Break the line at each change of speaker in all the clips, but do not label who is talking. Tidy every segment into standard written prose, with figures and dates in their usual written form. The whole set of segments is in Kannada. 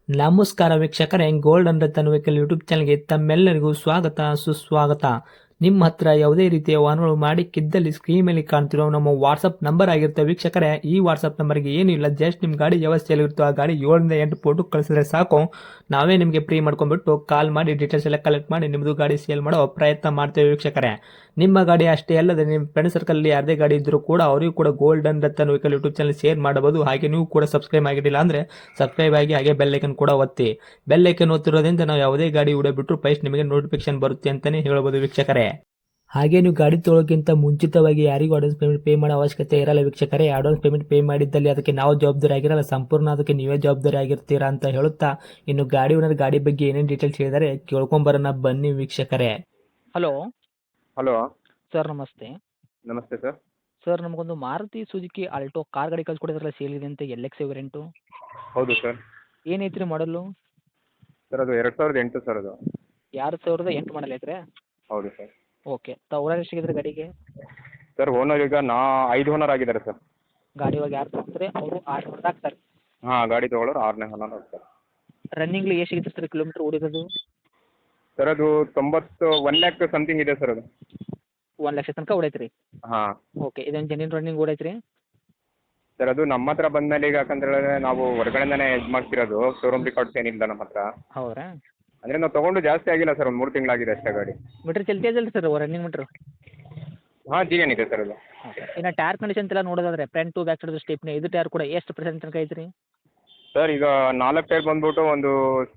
ನಮಸ್ಕಾರ ವೀಕ್ಷಕರೇ, gold and Ratan vehicle YouTube ಚಾನಲ್ಗೆ ತಮ್ಮೆಲ್ಲರಿಗೂ ಸ್ವಾಗತ ಸುಸ್ವಾಗತ. ನಿಮ್ಮ ಹತ್ರ ಯಾವುದೇ ರೀತಿಯ ವಾಹನಗಳು ಮಾಡಿಕ್ಕಿದ್ದಲ್ಲಿ ಸ್ಕ್ರೀನ್ ಮೇಲೆ ಕಾಣ್ತಿರೋ ನಮ್ಮ ವಾಟ್ಸಪ್ ನಂಬರ್ ಆಗಿರುತ್ತೆ ವೀಕ್ಷಕರೇ. ಈ ವಾಟ್ಸಪ್ ನಂಬರ್ಗೆ ಏನಿಲ್ಲ, ಜಸ್ಟ್ ನಿಮ್ಮ ಗಾಡಿ ವ್ಯವಸ್ಥೆಯಲ್ಲಿರುತ್ತೋ ಆ ಗಾಡಿ 7 ರಿಂದ 8 ಫೋಟೋ ಕಳಿಸಿದ್ರೆ ಸಾಕು, ನಾವೇ ನಿಮಗೆ ಫ್ರೀ ಮಾಡ್ಕೊಂಡ್ಬಿಟ್ಟು ಕಾಲ್ ಮಾಡಿ ಡೀಟೇಲ್ಸ್ ಎಲ್ಲ ಕಲೆಕ್ಟ್ ಮಾಡಿ ನಿಮ್ಮದು ಗಾಡಿ ಸೇಲ್ ಮಾಡೋ ಪ್ರಯತ್ನ ಮಾಡ್ತೇವೆ ವೀಕ್ಷಕರೇ. ನಿಮ್ಮ ಗಾಡಿ ಅಷ್ಟೇ ಅಲ್ಲದೆ ನಿಮ್ಮ ಫ್ರೆಂಡ್ ಸರ್ಕಲ್ ಯಾರದೇ ಗಾಡಿ ಇದ್ದರೂ ಕೂಡ ಅವರಿಗೂ ಕೂಡ gold and Ratan vehicle YouTube channel share ಮಾಡಬಹುದು. ಹಾಗೆ ನೀವು ಕೂಡ ಸಬ್ಸ್ಕ್ರೈಬ್ ಆಗಿರಲಿಲ್ಲ ಅಂದರೆ ಸಬ್ಸ್ಕ್ರೈಬ್ ಆಗಿ ಹಾಗೆ ಬೆಲ್ ಐಕನ್ ಕೂಡ ಒತ್ತಿ. ಬೆಲ್ ಐಕನ್ ಒತ್ತಿರೋದ್ರಿಂದ ನಾವು ಯಾವುದೇ ಗಾಡಿ ವಿಡಿಯೋ ಬಿಟ್ಟರು ಫಸ್ಟ್ ನಿಮಗೆ ನೋಟಿಫಿಕೇಶನ್ ಬರುತ್ತೆ ಅಂತಲೇ ಹೇಳ್ಬೋದು ವೀಕ್ಷಕರೇ. ಹಾಗೆ ನೀವು ಗಾಡಿ ತೊಳೋಕ್ಕಿಂತ ಮುಂಚಿತವಾಗಿ ಯಾರಿಗೂ ಅಡ್ವಾನ್ಸ್ ಪೇಮೆಂಟ್ ಪೇ ಮಾಡೋ ಅವಶ್ಯಕತೆ ಇರಲ್ಲ ವೀಕ್ಷಕರೇ. ಅಡ್ವಾನ್ಸ್ ಪೇಮೆಂಟ್ ಪೇ ಮಾಡಿದ್ದಲ್ಲಿ ಅದಕ್ಕೆ ನಾವು ಜವಾಬ್ದಾರಿ ಆಗಿರಲ್ಲ, ಸಂಪೂರ್ಣ ಅದಕ್ಕೆ ನೀವೇ ಜವಾಬ್ದಾರಿ ಆಗಿರ್ತೀರಾ ಅಂತ ಹೇಳುತ್ತಾ, ಇನ್ನು ಗಾಡಿ ಓನರ್ ಗಾಡಿ ಬಗ್ಗೆ ಏನೇನು ಡೀಟೇಲ್ಸ್ ಹೇಳಿದರೆ ಕೇಳ್ಕೊಂಬರೋಣ ಬನ್ನಿ ವೀಕ್ಷಕರೇ. ಹಲೋ
ಹಲೋ
ಸರ್, ನಮಸ್ತೆ.
ನಮಸ್ತೆ ಸರ್.
ಸರ್, ನಮಗೊಂದು ಮಾರುತಿ ಸುಜುಕಿ ಆಲ್ಟೋ ಕಾರ್ ಗಾಡಿ ಕಳ್ಸಿಕೊಡಿದ್ರಲ್ಲ, ಸೇಲ್ ಇದೆ ಅಂತ, LX ವೇರಿಯಂಟು.
ಹೌದು ಸರ್.
ಏನೈತ್ರಿ ಮಾಡಲು?
ಸರ್ ಅದು 2008 ಸರ್ ಅದು.
2008 ಮಾಡಲ್ ಐತ್ರಿ?
ಹೌದು ಸರ್.
ಓಕೆ. ಓನರ್ ಎಷ್ಟಾಗಿದ್ರೆ ಗಾಡಿಗೆ?
ಸರ್ ಓನರ್ ಈಗ 5 ಓನರ್ ಆಗಿದ್ದಾರೆ ಸರ್.
ಗಾಡಿ ಇವಾಗ ಯಾರು ತಗೋತಾರೆ ಅವರು 6 ಓನರ್ ಆಗ್ತಾರೆ.
ಹಾಂ, ಗಾಡಿ ತೊಗೊಳೋರು 6ನೇ ಓನರ್ ಆಗ್ತಾರೆ.
ರನ್ನಿಂಗ್ಲಿ ಎಷ್ಟು ಸಿಗುತ್ತೆ ಸರ್ ಕಿಲೋಮೀಟ್ರ್ ಓಡಿರೋದು?
ಸರ್ ಅದು 1 ಲ್ಯಾಕ್ ಸಮಥಿಂಗ್ ಇದೆ ಸರ್ ಅದು.
1 ಲಕ್ಷ ತನಕ ಓಡೈತ್ರಿ?
ಹಾಂ.
ಓಕೆ. ಇದೊಂದು ಜೆನ್ಯೂನ್ ರನ್ನಿಂಗ್ ಓಡೈತ್ರಿ?
ಸರ್ ಅದು ನಮ್ಮ ಹತ್ರ ಬಂದಮೇಲೆ ಈಗ ಯಾಕಂತೇಳಿದ್ರೆ ನಾವು ಹೊರಗಡೆಯಿಂದನೇ ಇದು ಮಾಡ್ತಿರೋದು, ಶೋರೂಮ್ ರಿಕಾರ್ಡ್ಸ್ ಏನಿಲ್ಲ ನಮ್ಮ ಹತ್ರ.
ಹೌದ್ರಾ?
ಅಂದರೆ ನಾವು ತೊಗೊಂಡು ಜಾಸ್ತಿ ಆಗಿಲ್ಲ ಸರ್, ಒಂದು 3 ತಿಂಗಳಾಗಿದೆ ಅಷ್ಟೇ ಗಾಡಿ.
ಮೀಟ್ರ್ ಚಲ್ತಿ ಇದೆಯಲ್ಲ ಸರ್ ರನ್ನಿಂಗ್ ಮೀಟ್ರ್?
ಹಾಂ, GN ಇದೆ ಸರ್ ಅದು.
ಓಕೆ. ಇನ್ನು ಟೈರ್ ಕಂಡೀಷನ್ ಎಲ್ಲ ನೋಡೋದಾದ್ರೆ front to back side stepney ಇದು ಟೈರ್ ಕೂಡ ಎಷ್ಟು ಪರ್ಸೆಂಟ್ ತನಕ ಐತ್ರಿ?
ಸರ್ ಈಗ 4 ಟೈರ್ ಬಂದ್ಬಿಟ್ಟು ಒಂದು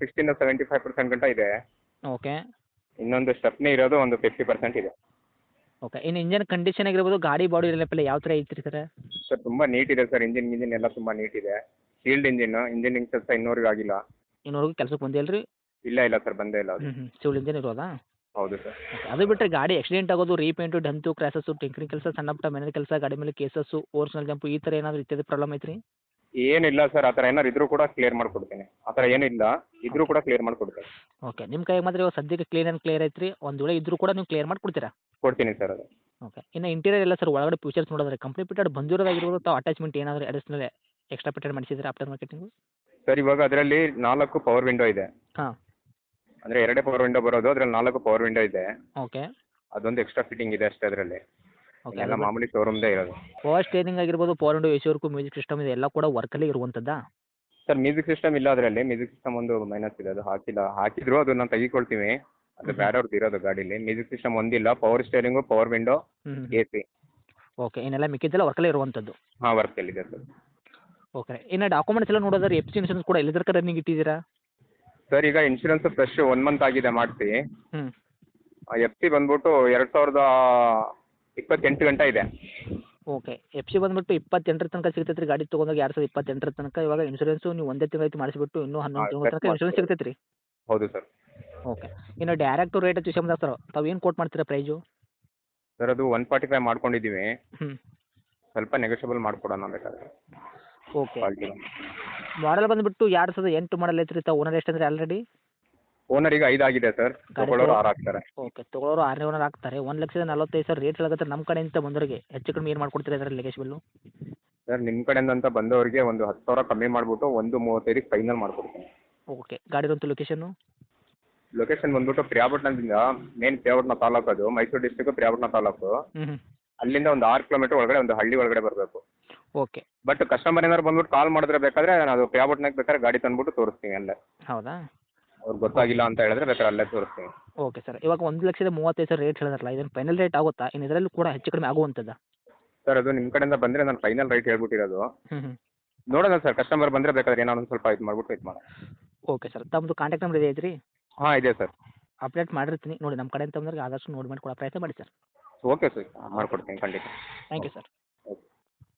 60-75% ಗಂಟ ಇದೆ.
ಓಕೆ.
ಇನ್ನೊಂದು ಸ್ಟೆಪ್ನಿ ಇರೋದು ಒಂದು 50% ಇದೆ.
ಓಕೆ. ಇನ್ನು ಇಂಜನ್ ಕಂಡೀಷನ್ ಆಗಿರ್ಬೋದು, ಗಾಡಿ ಬಾಡಿ ಎಲ್ಲ ಯಾವ ಥರ ಐತ್ರಿ ಸರ್?
ಸರ್ ತುಂಬ ನೀಟ್ ಇದೆ ಸರ್, ಇಂಜಿನ್ ಎಲ್ಲ ತುಂಬ ನೀಟ್ ಇದೆ. ಶೀಲ್ಡ್ ಇಂಜಿನ್ ಕೆಲಸ ಇನ್ನೂವರೆಗೂ ಆಗಿಲ್ಲ.
ಇನ್ನೂವರೆಗೂ ಕೆಲಸಕ್ಕೆ ಬಂದಿಲ್ಲ ರೀ?
ಇಲ್ಲ ಸರ್, ಬಂದೇ ಇಲ್ಲ ಅದು.
ಸಿವಿಲ್ ಇಂಜನ್ ಇರೋದಾ?
ಹೌದು ಸರ್.
ಓಕೆ. ಅದು ಬಿಟ್ಟರೆ ಗಾಡಿ ಆಕ್ಸಿಡೆಂಟ್ ಆಗೋದು, ರೀಪೇಂಟು, ಡಂತು, ಕ್ರ್ಯಾಸಸ್ಸು, ಟಿಂಕರಿಂಗ್ ಕೆಲಸ, ಸಣ್ಣ ಪುಟ್ಟ ಮನೆ ಕೆಲಸ, ಗಾಡಿ ಮೇಲೆ ಕೇಸಸ್ಸು, ಓರ್ಜಿನಲ್ ಜಂಪು, ಈ ಥರ ಏನಾದರೂ ಇತ್ಯಾದಿ ಪ್ರಾಬ್ಲಮ್ ಐತ್ರಿ?
ಏನಿಲ್ಲ ಸರ್, ಆ ಥರ ಏನಾರು ಇದ್ರೂ ಕೂಡ ಕ್ಲಿಯರ್ ಮಾಡಿಕೊಡ್ತೀನಿ. ಆ ಥರ ಏನಿಲ್ಲ, ಇದ್ರೂ ಕೂಡ ಕ್ಲಿಯರ್ ಮಾಡಿಕೊಡ್ತೀನಿ.
ಓಕೆ. ನಿಮ್ಮ ಕೈಗೆ ಮಾತ್ರ ಇವಾಗ ಸದ್ಯಕ್ಕೆ ಕ್ಲೀನ್ ಆ್ಯಂಡ್ ಕ್ಲಿಯರ್ ಐತ್ರಿ. ಒಂದು ವೇಳೆ ಇದ್ರೂ ಕೂಡ ನೀವು ಕ್ಲಿಯರ್ ಮಾಡಿಕೊಡ್ತೀರಾ?
ಕೊಡ್ತೀನಿ ಸರ್ ಅದು.
ಓಕೆ. ಇನ್ನು ಇಂಟೀರಿಯರ್ ಎಲ್ಲ ಸರ್ ಒಳಗಡೆ ಫೀಚರ್ಸ್ ನೋಡಿದ್ರೆ ಕಂಪ್ನಿ ಫಿಟೆಡ್ ಬಂದಿರೋದಾಗಿರ್ಬೋದು, ತಾವು ಅಟ್ಯಾಚ್ಮೆಂಟ್ ಏನಾದರೂ ಅಡಿಷನಲ್ ಎಕ್ಸ್ಟ್ರಾ ಫಿಟೆಡ್ ಮಾಡಿಸಿದ್ರೆ ಆಫ್ಟರ್ ಮಾರ್ಕೆಟಿಂಗು?
ಸರ್ ಇವಾಗ ಅದರಲ್ಲಿ 4 ಪವರ್ ವಿಂಡೋ ಇದೆ.
ಹಾಂ.
ಅಂದರೆ 2 ಪವರ್ ವಿಂಡೋ ಬರೋದು, ಅದರಲ್ಲಿ 4 ಪವರ್ ವಿಂಡೋ ಇದೆ.
ಓಕೆ.
ಅದೊಂದು ಎಕ್ಸ್ಟ್ರಾ ಫಿಟ್ಟಿಂಗ್ ಇದೆ ಅಷ್ಟೇ ಅದರಲ್ಲಿ.
ಓಕೆ.
ಎಲ್ಲ ಮಾಮೂಲಿ ಶೋರೂಮ್ದೇ ಇರೋದು.
ಪವರ್ ಸ್ಟೇರಿಂಗ್ ಆಗಿರ್ಬೋದು, power window, AC work, music system ಇದೆ ಎಲ್ಲ ಕೂಡ ವರ್ಕಲ್ಲಿ ಇರುವಂಥದ್ದಾ?
ಸರ್ ಮ್ಯೂಸಿಕ್ ಸಿಸ್ಟಮ್ ಇಲ್ಲ ಅದರಲ್ಲಿ. ಮ್ಯೂಸಿಕ್ ಸಿಸ್ಟಮ್ ಒಂದು ಮೈನಸ್ ಇದೆ, ಅದು ಹಾಕಿಲ್ಲ. ಹಾಕಿದ್ರು ಅದು ನಾವು ತೆಗಿಕೊಳ್ತೀವಿ, ಅದು ಬೇರೆಯವ್ರದ್ದು ಇರೋದು ಗಾಡೀಲಿ. ಮ್ಯೂಸಿಕ್ ಸಿಸ್ಟಮ್ ಒಂದಿಲ್ಲ. Power steering, power window, AC.
Okay. ಇನ್ನೆಲ್ಲ ಮಿಕ್ಕಿದ್ದೆಲ್ಲ ವರ್ಕಲ್ಲೇ ಇರುವಂಥದ್ದು?
ಹಾಂ, ವರ್ಕಲ್ಲಿದೆ ಸರ್.
ಓಕೆ. ಇನ್ನು ಡಾಕ್ಯುಮೆಂಟ್ಸ್ ಎಲ್ಲ ನೋಡೋದಾದ್ರೆ FC ಇನ್ಶೂರೆನ್ಸ್ ಕೂಡ ಎಲ್ಲಿ ತನಕ ರನ್ನಿಂಗ್ ಇಟ್ಟಿದ್ದೀರಾ?
ಸರ್ ಈಗ ಇನ್ಶೂರೆನ್ಸ್ ಫ್ರೆಶ್ 1 ಮಂತ್ ಆಗಿದೆ ಮಾಡಿಸಿ.
ಹ್ಞೂ.
FC ಬಂದ್ಬಿಟ್ಟು 2028 ಗಂಟ ಇದೆ.
ಓಕೆ. FC ಬಂದುಬಿಟ್ಟು 28 ತನಕ ಸಿಗ್ತೈತೆ ರೀ. ಗಾಡಿ ತೊಗೊಂಡಾಗ 2028 ತನಕ. ಇವಾಗ ಇನ್ಶೂರೆನ್ಸು ನೀವು ಒಂದೇ ತಿಂಗಳು ಮಾಡಿಸಿಬಿಟ್ಟು ಇನ್ನೂ 11 ತಿಂಗಳ ತನಕ ಇನ್ಶೂರೆನ್ಸ್ ಸಿಗ್ತೈತೆ ರೀ?
ಹೌದು ಸರ್.
ಓಕೆ. ಇನ್ನು ಡೈರೆಕ್ಟು ರೇಟ್ ವಿಷಯ ಬಂದಾಗ ಸರ್, ತಾವು ಏನು ಕೋಟ್ ಮಾಡ್ತೀರಾ ಪ್ರೈಸು?
ಸರ್ ಅದು 145 ಮಾಡ್ಕೊಂಡಿದ್ದೀವಿ.
ಹ್ಞೂ.
ಸ್ವಲ್ಪ ನೆಗೋಷಿಯಬಲ್ ಮಾಡಿಕೊಡೋಣ ಬೇಕಾದ್ರೆ.
ಓಕೆ.
ಕ್ವಾಲಿಟಿ
ಮಾಡಲ್ ಬಂದುಬಿಟ್ಟು 2008 ಮಾಡಲ್ ಐತೆ ರೀ. ತಾವು ಓನರ್ ಎಷ್ಟು ಅಂದರೆ ಆಲ್ರೆಡಿ?
ಓನರ್ ಈಗ 5 ಆಗಿದೆ ಸರ್, ತಗೊಳ್ಳೋರು 6 ಆಗ್ತಾರೆ.
ಓಕೆ. ತೊಗೊಳೋರು 6ನೇ ಓನರ್ ಆಗ್ತಾರೆ. 1,45,000 ರೇಟ್ ಹೇಳಕತ್ತಾರೆ. ನಮ್ಮ ಕಡೆಯಿಂದ ಬಂದವರಿಗೆ ಹೆಚ್ಚು ಕಡಿಮೆ ಏನು ಮಾಡ್ಕೊಡ್ತೀರಾ ಇದರಲ್ಲಿ ಲೆಗೇಜ್ ಬಿಲ್ಲು?
ಸರ್ ನಿಮ್ಮ ಕಡೆಯಿಂದ ಅಂತ ಬಂದವರಿಗೆ ಒಂದು 10,000 ಕಮ್ಮಿ ಮಾಡಿಬಿಟ್ಟು 135ಗೆ ಫೈನಲ್ ಮಾಡಿಕೊಡ್ತೀನಿ.
ಓಕೆ. ಗಾಡಿರೋಂಥ ಲೊಕೇಶನ್ನು?
ಲೊಕೇಶನ್ ಬಂದ್ಬಿಟ್ಟು ಪ್ರಿಯಾಪಟ್ಟಣದಿಂದ, ಮೇನ್ ಪ್ರಿಯಾಪಟ್ಟಣ ತಾಲೂಕು, ಅದು ಮೈಸೂರು ಡಿಸ್ಟ್ರಿಕ್ಟು ಪ್ರಿಯಾಪಟ್ಟಣ ತಾಲೂಕು.
ಹ್ಞೂ.
ಅಲ್ಲಿಂದ ಒಂದು 6 ಕಿಲೋಮೀಟರ್ ಒಳಗಡೆ ಒಂದು ಹಳ್ಳಿ ಒಳಗಡೆ ಬರಬೇಕು.
ಓಕೆ.
ಬಟ್ ಕಸ್ಟಮರ್ ಏನಾದ್ರು ಬಂದ್ಬಿಟ್ಟು ಕಾಲ್ ಮಾಡಿದ್ರೆ ಬೇಕಾದ್ರೆ ನಾನು ಅದು ಪ್ರಿಯಾಪಟ್ಟಣಕ್ಕೆ ಬೇಕಾದ್ರೆ ಗಾಡಿ ತಂದ್ಬಿಟ್ಟು ತೋರಿಸ್ತೀನಿ ಅಲ್ಲೇ.
ಹೌದಾ?
ಅವ್ರಿಗೆ ಗೊತ್ತಾಗಿಲ್ಲ ಅಂತ ಹೇಳಿದ್ರೆ ಬೇಕಾದ್ರೆ ಅಲ್ಲೇ ತೋರಿಸ್ತೀನಿ.
Okay sir. ಇವಾಗ 1,35,000 ರೇಟ್ ಹೇಳಿದ್ರಲ್ಲ, ಇದನ್ನು ಫೈನಲ್ ರೇಟ್ ಆಗುತ್ತಾ? ಇನ್ನು ಇದರಲ್ಲೂ ಕೂಡ ಹೆಚ್ಚು ಕಡಿಮೆ ಆಗುವಂಥದ್ದಾ?
ಸರ್ ಅದು ನಿಮ್ಮ ಕಡೆಯಿಂದ ಬಂದರೆ ನಾನು ಫೈನಲ್ ರೇಟ್ ಹೇಳ್ಬಿಟ್ಟಿರೋದು.
ಹ್ಞೂ.
ನೋಡೋಣ ಸರ್, ಕಸ್ಟಮರ್ ಬಂದರೆ ಬೇಕಾದ್ರೆ ಏನಾದ್ರು ಒಂದು ಸ್ವಲ್ಪ ಇದು ಮಾಡ್ಬಿಟ್ಟು ಇದು ಮಾಡೋಣ.
Okay sir. ತಮ್ಮದು ಕಾಂಟ್ಯಾಕ್ಟ್ ನಂಬರ್ ಇದೆ ಐತ್ರಿ?
ಹಾಂ, ಇದೆ ಸರ್.
ಅಪ್ಡೇಟ್ ಮಾಡಿರ್ತೀನಿ ನೋಡಿ. ನಮ್ಮ ಕಡೆಯಿಂದ ಬಂದವ್ರಿಗೆ ಆದಷ್ಟು ನೋಡಿ ಮಾಡಿ ಕೊಡೋ ಪ್ರಯತ್ನ ಮಾಡಿ ಸರ್.
ಓಕೆ ಸರ್, ಮಾಡಿಕೊಡ್ತೀನಿ ಖಂಡಿತ.
Thank you sir.